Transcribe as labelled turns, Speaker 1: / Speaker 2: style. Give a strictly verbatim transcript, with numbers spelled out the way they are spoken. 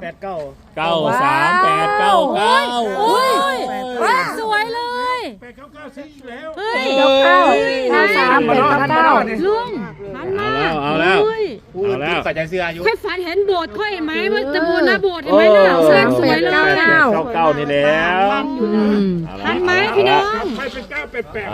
Speaker 1: แปดเก้า
Speaker 2: เก้าสามแปดเก้าเก้า
Speaker 3: โอ้ยสวยเลย
Speaker 1: แปดเก้าเก้าซื้ออีกแล้ว
Speaker 3: เฮ้ย
Speaker 4: เก้าเก้าเก้าสามแปดเก้าเก้า
Speaker 3: ลุงหันมา
Speaker 2: เอาแล้ว
Speaker 3: เฮ้ย
Speaker 2: เอาแล้ว
Speaker 1: ใส่ใจเสื้ออายุ
Speaker 3: ค่อยฝันเห็นโบสถ์ค่อยเห็นไหมว่าจะบูรณะโบสถ์เห็นไหมน่ะสร้างสวยเลย
Speaker 2: เก้าเก้านี่แล้ว
Speaker 3: ทันไหมพี่น้อง
Speaker 1: ไปเป็นเก้าแปดแปด